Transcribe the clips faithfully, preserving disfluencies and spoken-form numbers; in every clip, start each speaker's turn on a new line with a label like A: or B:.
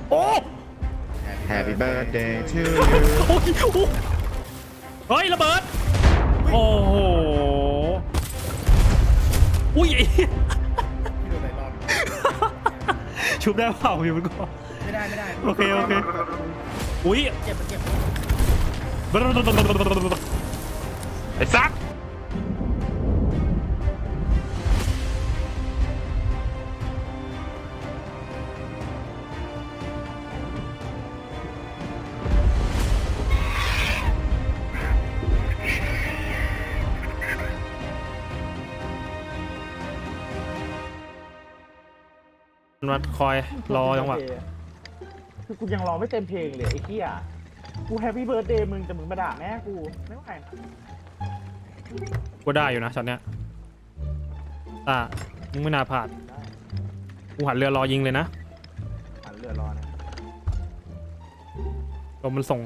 A: โอ้
B: Happy birthday to you
A: โอ้ยเฮ้ยระเบิดโอ้โหอุ้ย
C: พี่โดนไหนรอด
A: ชุบได้เปล่าพี่มันก็
C: ไม่ได้ไม่ได้
A: โอเคโอเคอุ้ย
C: เจ็บมันเจ็บ
A: ไอ้ซักมันคอยรอจังหวะ
D: คือกูยังรอไม่เต็มเพลงเลยไอ้เหี้ยกูแฮปปี้เบิร์ดเดย์มึงแต่มึงมาด่าแม่กูไม่ไหวนะ
A: กูได้อยู่นะช็อตเนี้ยตามึงไม่น่าพลาดกูหันเรือรอยิงเลยนะ
D: หันเรือรอนะ
A: ลมมันส่ง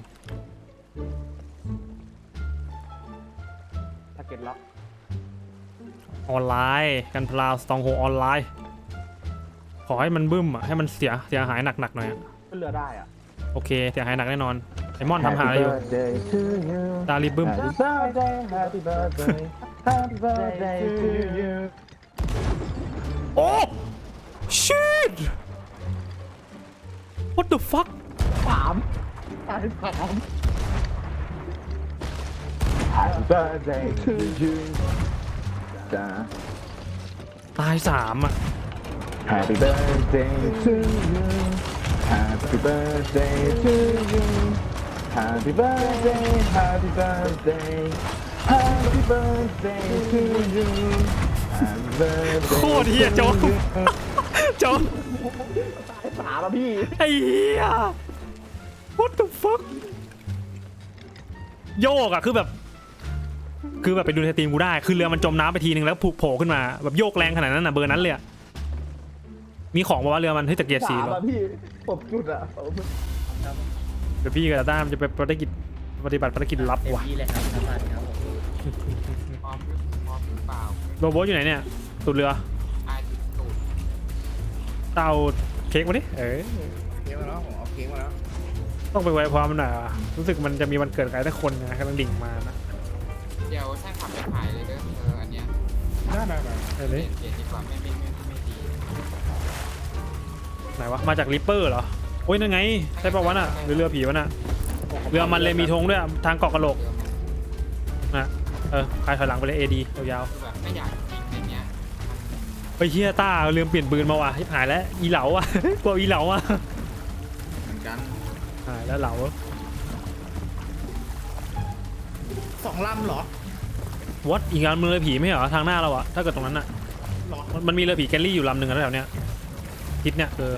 D: ทาร์เก็ตล็อก
A: ออนไลน์กันพลาวสตองโฮออนไลน์ขอให้มันบึ้มอ่ะให้มันเสียเสียหายหนักๆหน่อยอะ
D: ขึ้นเรือได้อ่ะ
A: โอเคเสียหายหนักแน่นอนไอมอนทำหาอะไรอยู่ตาลีบึ้ม
D: Happy birthday Happy birthday Happy birthday to you
A: โอ้ shit what the fuck
D: สามตายสาม Happy birthday to you จ้า
A: ตายสามอ่ะ
D: Happy birthday to you Happy birthday to you Happy birthday Happy birthday Happy birthday to you Happy birthday
A: โคตรเฮียโจ๊กโจ๊ก
D: ตายสามอ่ะพี่
A: ไอ้เฮีย what the fuck โยกอะคือแบบคือแบบไปดูในสตรีมกูได้คือเรือมันจมน้ำไปทีนึงแล้วผุโผล่ขึ้นมาแบบโยกแรงขนาดนั้นอะเบอร์นั้นเลยอะมีของบอกว่าเรือมันเฮ้ยตะเกียบสี
D: สาม
A: เหรอ
D: อ่ะพี่ผมจุดอ่ะ
A: เดี๋ยวพี่กับต้ามจะไปปฏิกิจปฏิบัติภารกิจลับ
C: เต็ม
A: ว่ะ
C: ที่เลยครับท่านประธานครับผมพร้อมพร้อมหรือเปล่า
A: โรโบทอยู่ไหนเนี่ยตูดเรือ
C: ไอ้ตูด
A: เตาเค้กมาดิเออ
C: เค้กมาแล้วผมเอาเค้กมาแล้ว
A: ต้องไปไว้พร้อมมันหน่อยว่ะรู้สึกมันจะมีวันเกิดใครสักคนนะกำลังดิ่งมานะ
E: เดี๋ยวช่างขับไปขายเลยเด้อเอออันเนี้ย
C: ได้ได้ได้
A: เออ
E: เปลี่
A: นี่
E: ยนเปลี่ยนดีกว่าไม่ไม่ไม่ไม่ดี
A: ไหนวะมาจากริปเปอร์เหรอโอ้ยนั่นไงใช่ปะวะน่ะหรือเรือผีวะน่ะเรือมันเลยมีธงด้วยอะทางเกาะกระโหลก
E: เรือมัน
A: นะเออใครถอยหลังไปเลยเอดียาว
E: คือแบบไม่อยากยิงในเนี้ย
A: ๆไปเฮียต้าเรือเปลี่ยนปืนมาว่ะที่หายแล้วอีเหลาอ่ะ กลัวอีเหลาอ่ะ
C: เหมือนกัน
A: หายแล้วเหลา
C: สองลำเหรอ
A: วัดอีกงานมือเรือผีไม่เหรอทางหน้าเราอะถ้าเกิดตรงนั้นอะ
C: หรอ
A: มันมันมีเรือผีแกลลี่อยู่ลำหนึ่งอะแถวเนี้ยทิศเนี่ยเออ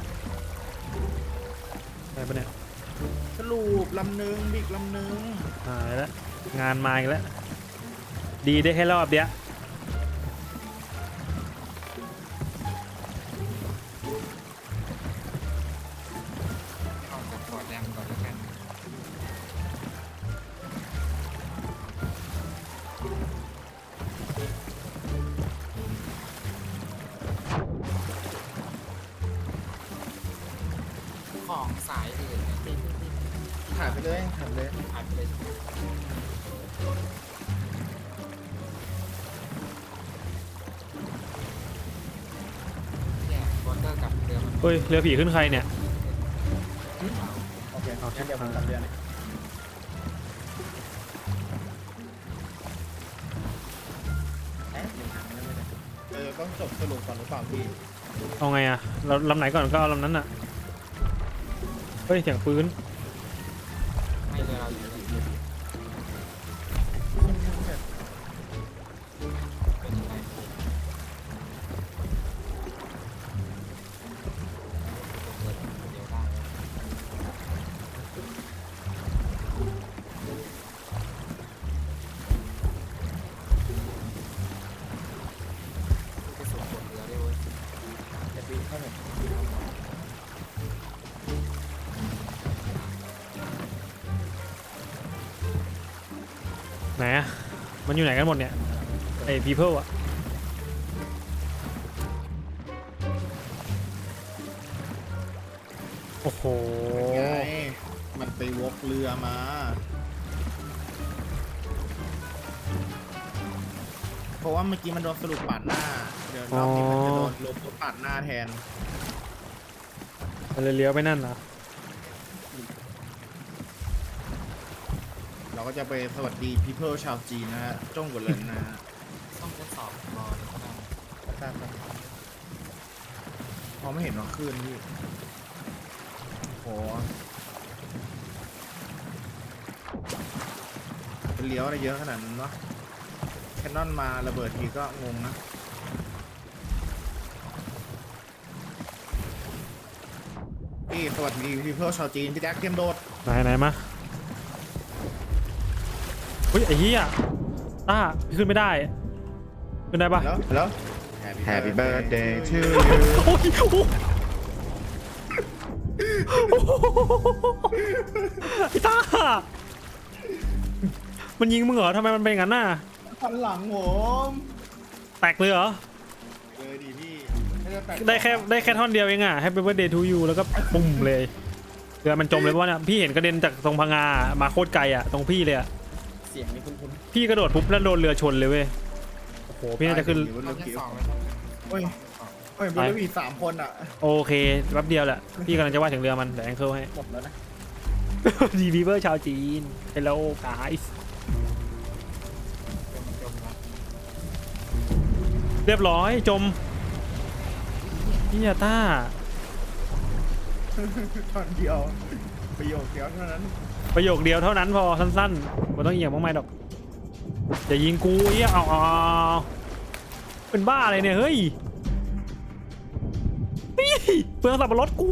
A: อะไรปะเนี่ย
C: สรุปลำหนึ่งบิ๊กลำหนึ่ง
A: หายแล้วงานมาอีกแล้วดีได้แค่รอบเดียว
E: ออกจากฟอร์ดแดมก่อนแล้วกัน ของสายอื่นเนี่ยที่ที่ที่
C: ถ่ายไปเลยถ่ายไปเลย
E: หายไปเลยเนี่ยวอเตอร์กับเรือมัน
A: เฮ้ยเรือผีขึ้นใครเนี่ย
C: โอเคเอาแค่เดียวผมจำเดือนเอ๊ะเออต้องจบสรุปก่อนหรือเปล่าพี่
A: เอาไงอะเราลำไหนก่อนก็เอาลำนั้นอะเฮ้ยเสียงปืน
E: ไม่เรือเราอยู่ในเป็นยังไงเปิดเดี๋ยวได้ ไปสู่บนเรือได้เว้ย
C: จะบินเข้าหนึ่ง
A: ไหนอะมันอยู่ไหนกันหมดเนี่ยไอ้ people อะโอ้โห
C: ไงมันไปวกเรือมา เพราะว่าเมื่อกี้มันโดนสรุปปาดหน้า เดี๋ยวรอบนี้มันจะโดนลบปาดหน้าแทน
A: มันเลยเลี้ยวไปนั่นนะ
C: เราก็จะไปสวัสดี people ชาวจีนนะฮะจ้องกว่าเลยนะฮะ
E: ต้องทดสอบรอเลยก็ได้
C: ตามมองไม่เห็นว่าคลื่นพี่โหเป็นเลี้ยวอะไรเยอะขนาดนั้นวะแคนนอนมาระเบิดทีก็งงนะพี่สวัสดี people ชาวจีนพี่แจ็คเตรียมโดด
A: ไหนไหนมาเฮ้ยไอ้เหี้ยต้าพี่ขึ้นไม่ได้ขึ้นได้ปะ
C: แล้วแล้ว
B: Happy birthday to you
A: โอ้ยโอ้โหไอ้ต้ามันยิงมึงเหรอทำไมมันเป็นอย่างนั้นน่ะ
C: พันหลังผม
A: แตกเลยเหรอ
C: เลยดิพี่ม่แปลก
A: ได้แค่ได้แค่ท่อนเดียวเองอ่ะ Happy birthday to you แล้วก็ปุ่มเลยเรือมันจมเลยเพราะว่าเนี่ยพี่เห็นกระเด็นจากตรงพังงามาโคตรไกลอ่ะตรงพี่เลยอ่ะ
C: เสียงนี่คุ้น
A: พี่กระโดดปุ๊บแล้วโดนเรือชนเลยเว้ยโอ้โห
C: ๆ
A: พี่น่าจะขึ้น
C: บน
E: ต้
C: เรือ อง
E: ทด
C: ผิว
E: สอบเลยต้อง
C: โอ้ยโอ้ยบนเรือมีสามคนอ่ะ
A: โอเคแป๊บเดียวแหละพี่กำลังจะว่าถึงเรือมันแต่แองเคิลให้
C: หมดแล้วนะ
A: ดีบีเวอร์ชาวจีน Hello guys
E: จมแล้ว
A: เรียบร้อยจมพี่ยาต้า
C: ตอนเดียวประโยคเดียวเท่านั้น
A: ประโยคเดียวเท่านั้นพอสั้นๆไม่ต้องเอียงมากมายดอกอย่ายิงกูเอี้ยเอาเอาเอาเป็นบ้าอะไรเนี่ยเฮ้ยนี่เปลืองสับปะรดกู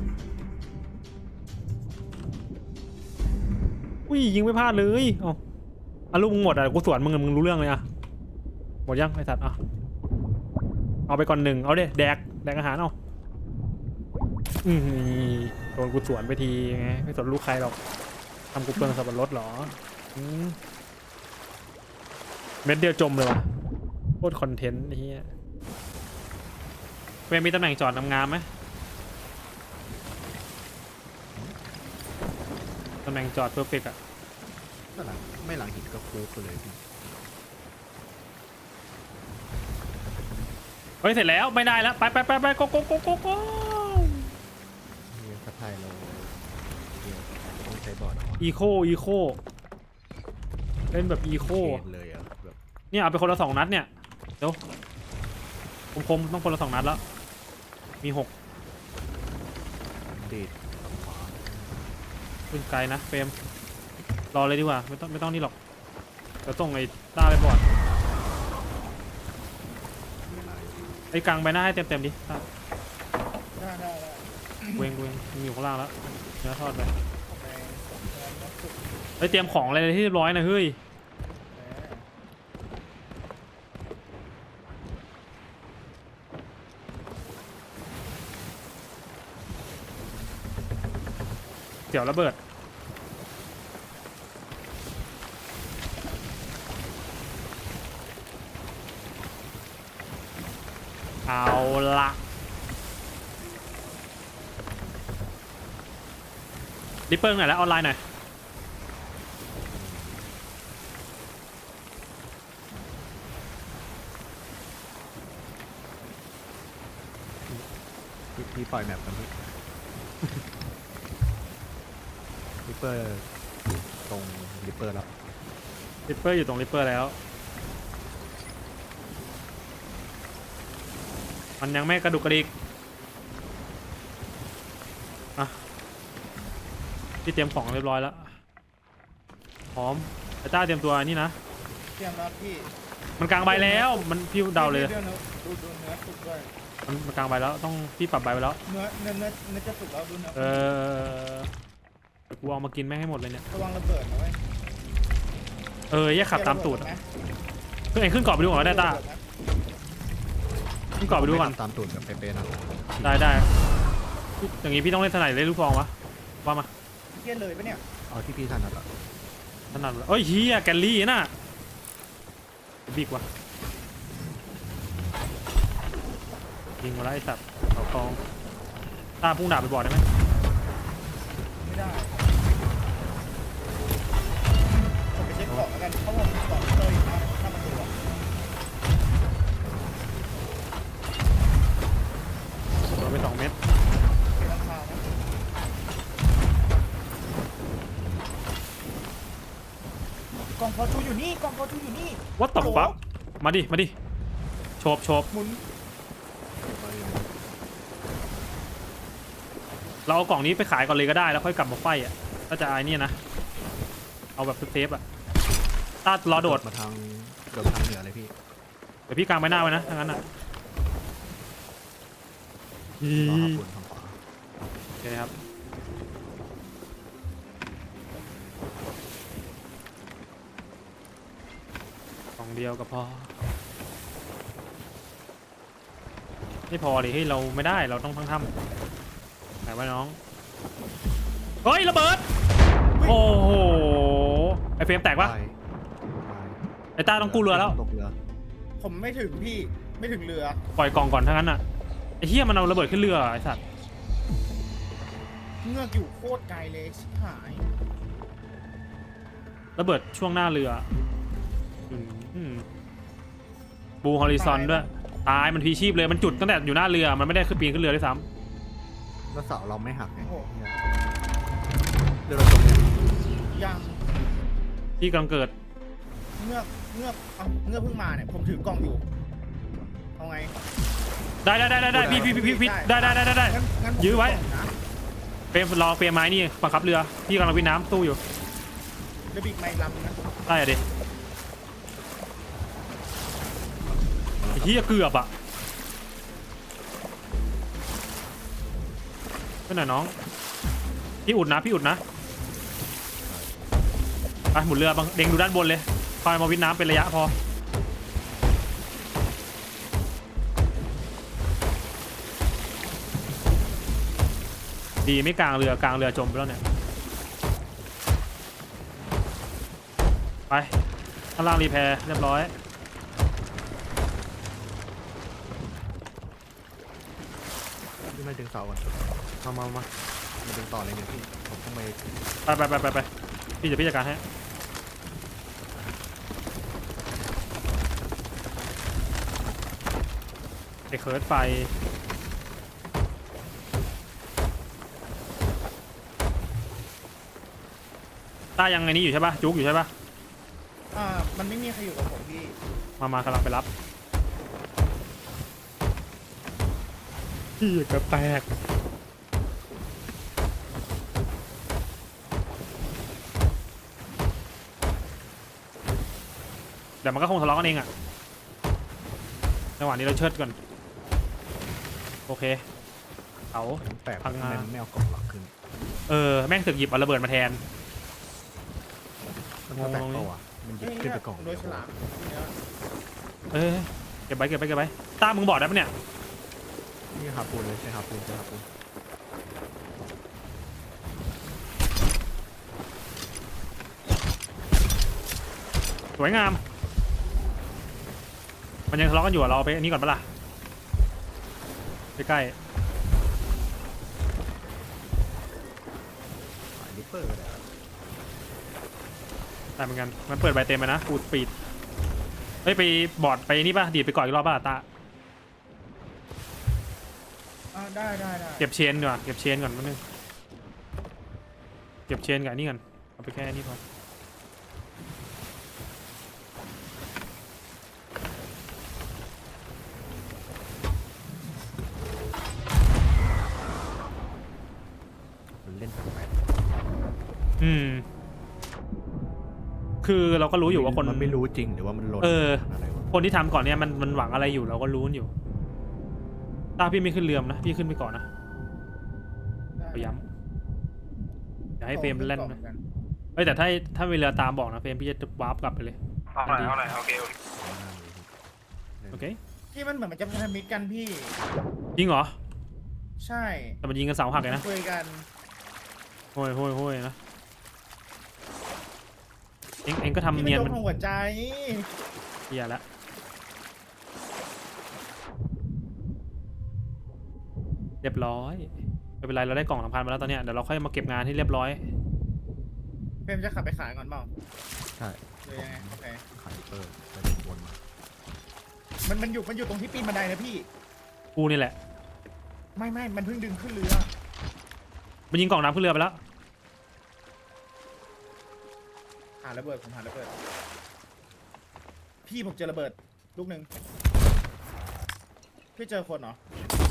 A: อุ้ยยิงไม่พลาดเลยเอาอาลูกมึงหมดอ่ะกูสวนมึงมึงรู้เรื่องเลยอ่ะหมดยังไอ้สัตว์อ่ะเอาไปก่อนหนึ่งเอาเด้แดกแดกอาหารเอาอืมโดนกูสวนไปทีไงไม่สนลูกใครหรอกทำกูเปลืองสับปะรดเหรออืมเม็ดเดียวจมเลยว่ะโคตรคอนเทนต์ไอ้เหี้ยเวรมีตำแหน่งจอดงามๆไหมตำแหน่งจอดเพอร์เฟกต์อ่ะ
B: ไม่หลังไม่หลังหินก็โค้งเลยพี่
A: เฮ้ยเสร็จแล้วไม่ได้แล้วไปไปไปไปโกโกโกโกโก
B: เรียนทัพไทยเราเรียนต้องใช้บอร์ด
A: อีโคอีโคเล่นแบบอีโค
B: เคนเลยอ่ะแบบ
A: เนี่ยเอาไปคนละสองนัดเนี่ยเดี๋ยวคมๆต้องคนละสองนัดแล้วมีหก
B: ดีดฝั่งขวา
A: ขึ้นไกลนะเฟรมรอเลยดีกว่าไม่ต้องไม่ต้องนี่หรอกเดี๋ยวต้องไอ้ต้าไปก่อนไอ้กลางใบหน้าให้เต็มเต็มๆดิต้า
C: ได้ได้ได้
A: เวงเวงมีอยู่ข้างล่างแล้วเนื้อทอดไป
C: ไป
A: ไอ้เตรียมของอะไรที่เรียบร้อยนะเฮ้ยเดี๋ยวระเบิดเอาละริปเปิลหน่อยแล้วออนไลน์หน่อย
B: พี่พี่ปล่อยแมปกันพี่ริปเปอร์ตรงริปเปอร์แล้ว
A: ริปเปอร์อยู่ตรงริปเปอร์แล้ว มันยังไม่กระดุกกระดิกอ่ะที่เตรียมของเรียบร้อยแล้วพร้อมไอ้ต้าเตรียมตัวนี่นะ
C: เตรียมรับพี่
A: มันกลางใบแล้วมันพี่เดาเลย
C: ดี๋วนะดูดูเนื้อสุกด้วย
A: มันมันกลางใบแล้วต้องพี่ปรับใบไปแล้ว
C: เนื้อเนื้อเนื้อเนื้อจะสุกแล้วดูเนื้อ
A: เออกูเอามากินแม่งให้หมดเลยเนี่ย
C: ระวังระเบิดนะเว้ย
A: เออแยกขับตามตูดขึ้นไอ้ขึ้นเกาะไปดูก่อนก็ได้ต้าขึ้นเกาะไปดูก่อน
B: ตามตูดกับเป๊ะๆนะ
A: ได้ได้อย่างงี้พี่ต้องเล่นสไนด์เล่นลูกฟองวะว่ามา
C: เกี้ยเลยปะเนี่ย
B: เอาที่พี่ถนัดอ่ะ
A: ถนัดเลยเอ้ยเฮียแกลลี่น่ะบิ๊กวะยิงมาแล้วไอ้สัตว์เขาคองตาพุ่งดาบไปบอดได้ไหม
C: ไม่ได้ผมไปเช็คของแล้วกันเขาบอกมีของเตยนะถ้ามันดูอะ
A: โดนไปสองเม็ด
C: เป็นราคานะกล่องพอจูอยู่นี่กล่องพอจูอยู่นี่
A: วัดต่อฟักมาดิมาดิโฉบโฉบ
C: หมุน
B: เก็บไว้เลย
A: เราเอากล่องนี้ไปขายก่อนเลยก็ได้แล้วค่อยกลับมาไฟอ่ะถ้าจะไอ้นี่นะเอาแบบเซฟๆอ่ะต้ารอโดด
B: มาทางโดดทางเหนือเลยพี่
A: เดี๋ยวพี่กางไปหน้าไว้นะถ้างั้นอ่ะ
B: รอหาปุ่นทางขวา
A: โอเคครับกล่องเดียวก็พอไม่พอดิให้ยเราไม่ได้เราต้องทั้งทำไหนวะน้องเฮ้ยระเบิดโอ้โหไอเฟรมแตกปะ
B: ไปไป
A: ไอต้าต้องกู้เรือแล้ว
B: ตกเรือ
C: ผมไม่ถึงพี่ไม่ถึงเรือ
A: ปล่อยกล่องก่อนถ้างั้นอ่ะไอเฮียมันเอาระเบิดขึ้นเรือไอสัตว์
C: เงือกอยู่โคตรไกลเลยชิบหาย
A: ระเบิดช่วงหน้าเรืออืมอืมบูฮอริซอนด้วยตายมันพีชีพเลยมันจุดตั้งแต่อยู่หน้าเรือมันไม่ได้ขึ้นปีนขึ้นเรือด้วยซ้
B: แล้วเสาเราไม่หักไง
C: โอ้โห
B: เรือเราจมเนี่ย
C: ยัง
A: ำที่กำลังเกิด
C: เงือกเงือกเอาเงือกเพิ่งมาเนี่ยผมถือกล่องอยู่เอาไง
A: ได้ได้ได้ได้ได้พี่พี่พี่พี่พี่ได้ได้ได้ได้ได้
C: งั้นงั้นผม
A: ยื้อไว้
C: ถืกล่งนะ
A: เฟรมรอเฟรมไม้นี่บังคับเรือพี่กำลังวินน้ำตู้อยู่
C: เรือบิกไม่ลำนะ
A: ได้อะดิไอ้เหี้ยเกือบอ่ะไปหน่อยน้องพี่อุดนะพี่อุดนะไปหมุนเรือบังเด้งดูด้านบนเลยคอยมาวินน้ำเป็นระยะพอดีไม่กลางเรือกลางเรือจมไปแล้วเนี่ยไปข้างล่างรีแพร์เรียบร้อย
B: พี่ไม่ดึงเสาก่อน
A: มามามา
B: มาดึงต่อเลยเนี่ยพี่ผมต้องไป
A: ไปไปไปไปไปพี่จะพี่จัดการให้ไอ้เคิร์ดไฟต้ายังไงนี้อยู่ใช่ปะจุกอยู่ใช่ปะ
C: อ่ามันไม่มีใครอยู่กับผมพี่
A: มามากำลังไปรับพี่กระแตกเดี๋ยวมันก็คงทะเลาะกันเองอะจังหวะนี้เราเชิดก่อนโอเคเอา
B: ผมแปลก
A: พังงา
B: ทำไมมันไม่เอากล่องหลักขึ้น
A: เออแม่งถึกหยิบเอาระเบิดมาแทน
B: มันก็แปลกเปล่าวะมันหยิบขึ้นไปกล่อง
C: โด
B: เดี
C: ย
B: ยว
C: ฉลามเนี่ย
A: เออเก็บไว้เก็บไว้เก็บไว้ต้ามึงบอกได้ปะเนี่ย
B: นี่หาปูนเลยใช่หาปูนใช่หาปูน
A: สวยงามมันยังทะเลาะกันอยู่อะเราเอาไปอันนี้ก่อนปะล่ะใกล้
B: หายลิปเปอร์ก็ได้
A: ๆได้เหมือนกันมันเปิดใบเต็มไปนะฟูดสปีดเฮ้ยไปบอร์ดไปนี่ป่ะดีดไปก่อนอีกรอบป่ะตา
C: อ่าได้ได้ได้
A: เก็บเชนดีกว่าเก็บเชนก่อนนิดนึงเก็บเชนกับอันนี่ก่อนเอาไปแค่นี้พอ
B: มันเล่นแปลก
A: อืมคือเราก็
B: ๆ
A: รู้อยู่ว่าคน
B: มันไม่รู้จริงหรือว่ามันลน
A: เออ
B: อะไรวะ
A: คนที่ทำก่อนเนี่ยมันมันหวังอะไรอยู่เราก็รู้อยู่ตาพี่ไม่ขึ้นเรือมนะพี่ขึ้นไปก่อนนะ
C: ได้
A: พยายามอย่าให้เฟรมเล่น
C: กล่อง
A: นะ
C: หมือกั
A: เอ้ยแต่ถ้าถ้ามีเรือตามบอกนะเฟรมพี่จะวาร์ปกลับไปเลย
E: เอาหน่อยเอาหน่อยโอเคโอเค
A: โอเค
C: ที่มันเหมือนมันจะพันธมิตรกันพี่
A: จริงเหรอ
C: ใช่
A: แต่มันยิงกันเสาหักเลยนะ
C: คุยกัน
A: โห้ยโห้ยโห้ยนะเอ็งเอ็งก็
C: ที่
A: ทำ
C: มัน
A: เนียน
C: โด
A: มัน น
C: ของหัวใจ
A: เฮียละเรียบร้อยไม่เป็นไรเราได้กล่องสำคัญมาแล้วตอนเนี้ยเดี๋ยวเราค่อยมาเก็บงานให้เรียบร้อย
C: เฟรมจะขับไปขายก่อนเปล่า
B: ใช่
C: หรือยังไงโอเค
B: ขายเปิดไปเป็นวนมา
C: มันมันอยู่มันอยู่ตรงที่ปีนบันไดนะพี่
A: กูนี่แหละ
C: ไม่ไม่มันเพิ่งดึงขึ้นเรือ
A: มันยิงกล่องน้ำขึ้นเรือไปแล้ว
C: หาระเบิดผมหาระเบิดพี่ผมเจอระเบิดลูกหนึ่งพี่เจอคนเหรอ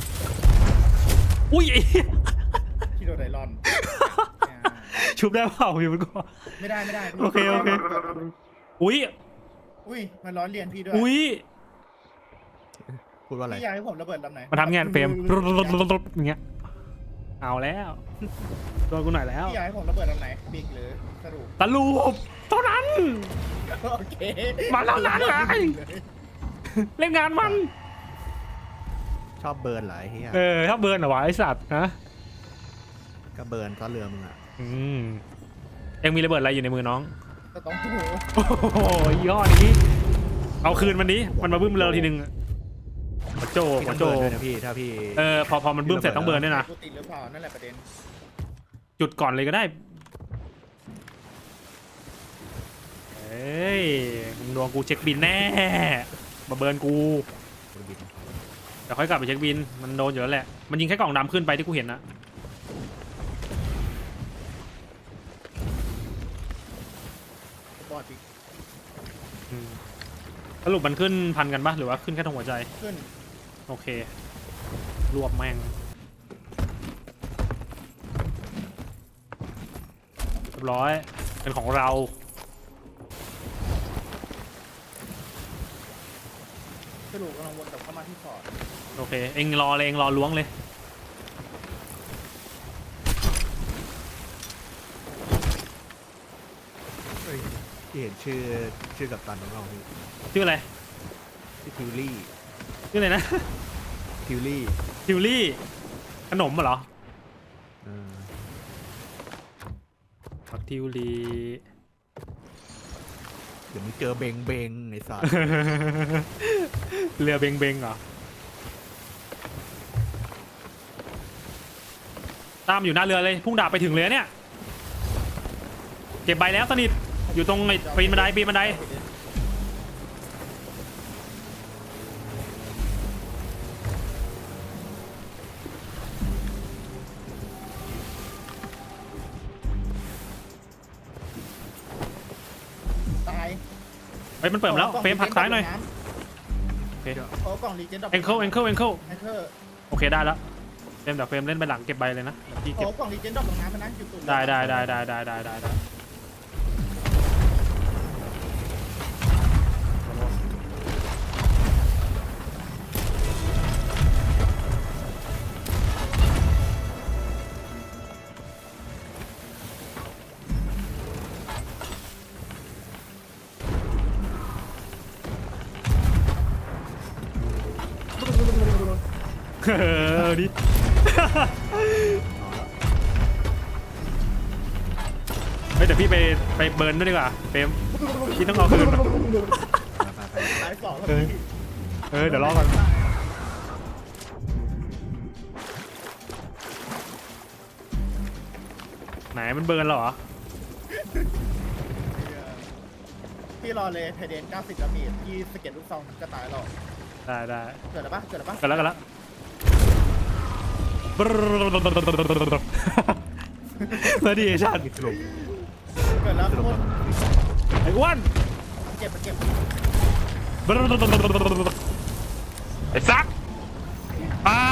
A: อุ้ยไอ้
C: พี่โดนไดรอน
A: ชุบได้เปล่าพี่มันก็
C: ไม่ได้ไม่ได้พี่
A: โอเคโอเค อุ้ย
C: อุ้ยมันร้อนเรียนพี่ด้วย
A: อุ้ย
B: พูดว่าอะไร
C: พี่อยากให้ผมระเบิดลำไหน
A: มาทำงานเฟรมอย่างเงี้ยเอาแล้วโดนกูหน่อยแล้ว
C: พี่อยากให้ผมระเบิดลำไหนบิ๊กหรือสรุป
A: ตะลูปเท่านั้น
C: โอเค
A: มาแล้วนะไง เล่นงานมัน
B: ชอบเบิร์นเหรอไอ้เหี้ย
A: เออถ้าเบิร์นเหรอวะไอสัตว์นะ
B: ก็เบิร์นซะเรือมึงอ่ะ
A: อืมเอ็งมีระเบิดอะไรอยู่ในมือน้อง
C: ก็ต้องถู
A: โอ้โหยอดนี้ เอาคืนมันนี้มันมาบึ้มเราทีนึงหัวโจ
B: พี่
A: หั
B: ต้
A: ว
B: อง
A: โจ
B: เบิร์นด้วยนะพี่ถ้าพี่
A: เออพอพอมันบึ้มเสร็จต้องเบิร์นด้วยนะ
C: กูติดหรือเปล่านั่นแหละประเด็น
A: จุดก่อนเลยก็ได้เฮ้ยมึงดวงกูเช็คบินแน่มาเบิร์นกู
B: คนบิน
A: เดี๋ยวค่อยกลับไปเช็คบินมันโดนอยู่แล้วแหละมันยิงแค่กล่องดำขึ้นไปที่กูเห็นนะ
C: บอดอีก
A: อืมสรุปมันขึ้นพันกันปะหรือว่าขึ้นแค่ตรงหัวใจ
C: ขึ้น
A: โอเค รวบแม่งเรียบร้อย เป็นของเรา
C: สรุปกำลังวนกลับเข้ามาที่ฟอร์ด
A: โอเค เอ็งรอเลย เอ็งรอล้วงเลย
B: เฮ้ยที่เห็นชื่อชื่อกับตันของเราพี่
A: ชื่ออะไร
B: ชื่อทิวลี่
A: ชื่ออะไรนะ
B: ทิวลี่
A: ทิวลี่ ขนมเหรอ
B: เออ
A: ผักทิวลี่
B: เดี๋ยวมึงเจอเบงเบงไอ้สัส
A: เรือเบงเบงเหรอ ตามอยู่หน้าเรือเลย พุ่งดาบไปถึงเลยเนี่ย เก็บใบแล้วสนิท อยู่ตรงไอ้ปีนบันไดปีนบันได
C: ตาย
A: เฮ้ยมันเปิดมาแล้วเฟรมผลักซ้ายหน่อยโอเค
C: โอ้กล่องรีเจนดอก
A: เอ็งเคิลเอ็งเคิลเอ็งเคิล
C: แองเกอร์
A: โอเคได้แล้วเฟรมเดี๋ยวเฟรมเล่นไปหลังเก็บใบเลยนะพี่
C: โอ้
A: เก็บ
C: กล่องรีเจนดอกลงน้ำมันนะอยู่ตุ่ม
A: ได้ได้ได้ได้ได้ได้ได้ได้เออดิ เฮ้ยเดี๋ยวพี่ไปไปเบิร์นด้วยดีกว่าเฟรมพี่ต้องเอาคืนมา
B: ไปไป
C: ตายสองแล้ว
A: เออ
C: พี่
A: เออเดี๋ยวรอก่อนไหนมันเบิร์นเหรอ
C: พี่รอเลยไทเดนเก้าสิบดาเมจพี่สเก็ตลูกซองก็ตายหรอก
A: ได้ได้
C: เกิดอะไรปะเกิดอะไรปะ
A: กันแล้วกันแล้วมาดิชาติ
B: สรุป
C: เกิดแล้ว
B: สรุป
C: คน
A: ไอ้อ้วน
C: เก็บมาเก็บ
A: ไอ้ซักอ้าว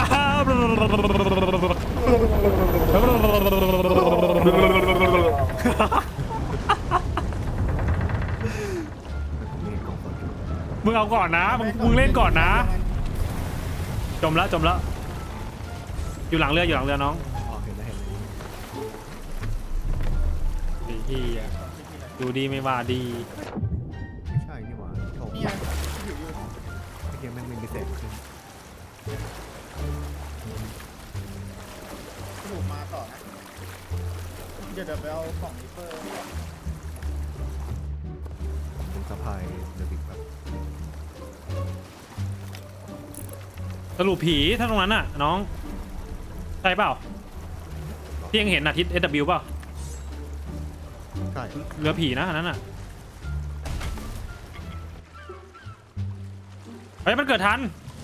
B: นี่กล่องคน
A: มึงเอาก่อนนะมึงมึงเล่นก่อนนะ จมแล้วจมแล้วอยู่หลังเรืออยู่หลังเรือน้อง
B: อ๋อเห็นแล้วเห็นแล้ว
A: ดีที่ดูดีไม่ว่าดี
B: ไม่ใช่นี่หว่าโถ
C: นี่ไงอยู่อยู่
B: ไอ้เหี้ยแม่งไม่มีเศษขึ้น
C: สรุปมาต่อนะเดี๋ยวเดี๋ยวไปเอากล่องริปเปอร์
B: เป็นสะพายเดบิกแบบ
A: สรุปผีถ้าตรงนั้นน่ะน้องใช่เปล่าที่ยังเห็นอะทิศ เอส ดับเบิลยู เปล่า
B: ใช่
A: เรือผีนะอันนั้นอะเฮ้ยมันเกิดทัน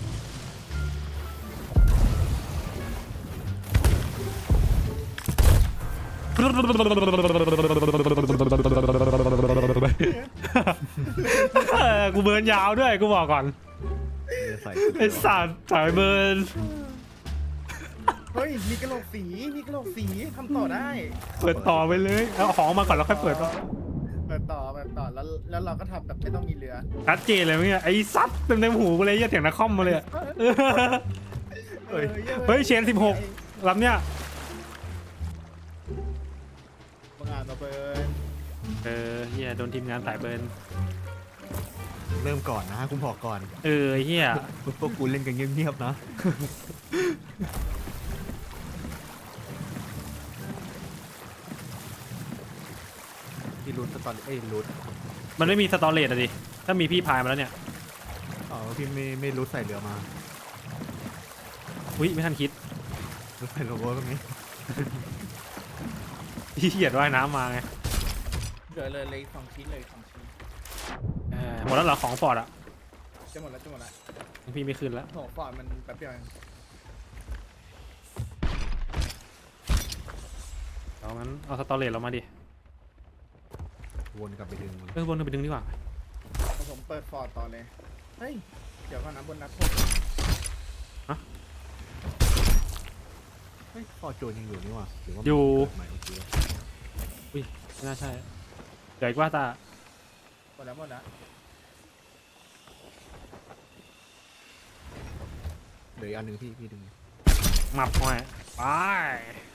A: เออกูเบิร์นยาวด้วยกูบอกก่อน
B: เรือใส่
A: ไอ้สัตว์สายเบิร์น
C: เฮ้ยมีกระโหลกสีมีกระโหลกสีทำต่อได้
A: เปิดต่อไปเลยเอาของมาก่อนแล้วค่อยเปิด
C: เปิดต่อเปิดต่อแล้วแล้วเราก็ทำแบบไม่ต้องมีเรือ
A: ชัดเจนเลยมั้ยเนี่ยไอ้ซัดเต็มเต็มหูกูเลยอย่าเถียงนักคอมมาเลยอะ
C: เฮ้ย
A: เฮ้ยเชนสิบหกลำเนี้ย
C: บางอ่านมาเปิด
A: เออเฮียโดนทีมงานสายเบิร์น
B: เริ่มก่อนนะกูบอกก่อน
A: เออเฮีย
B: พวกกูเล่นกันเงียบๆนะพี่รูทสตอรี่เอ้ยรูท
A: มันไม่มีสตอเรจอะดิถ้ามีพี่พายมาแล้วเนี่ย
B: อ๋อพี่ไม่ไม่รูทใส่เรือมา
A: อุ้ยไม่ทันคิด
B: รูทใส่โลโก้ตรงนี้
A: พี่เขียนว่ายน้ำมาไง
C: เหลือเลยเลยสองชิ้นเลยสองชิ้น
A: เออหมดแล้วเหรอของฟอร์ดอะ
C: จะหมดแล้วจะหมดแล้ว
A: พี่ไม่ขึ้นแล้ว
C: โหฟอร์ดมันแป๊บเดียวเอง
A: เอางั้นเอาสตอเรจเรามาดิ
B: วนกลับไปดึงมัน
A: เออวนกันไปดึงดีกว่า
C: ผมเปิดฟอร์ดต่อเลยเฮ้ยเดี๋ยวก่อนนะบนนัดผม
B: เฮ้ยฟอร์จูนยังอยู่นี่หว่าหรือว่า
A: อยู่
B: เกิดใหม่โอเค
A: อุ้ยไม่น่าใช่เดี๋ยวอีกว่าตา
C: หมดแล้วหมดแล้ว
B: เหลืออีกอันหนึ่งพี่พี่ดึง
A: หมับหน่อยไป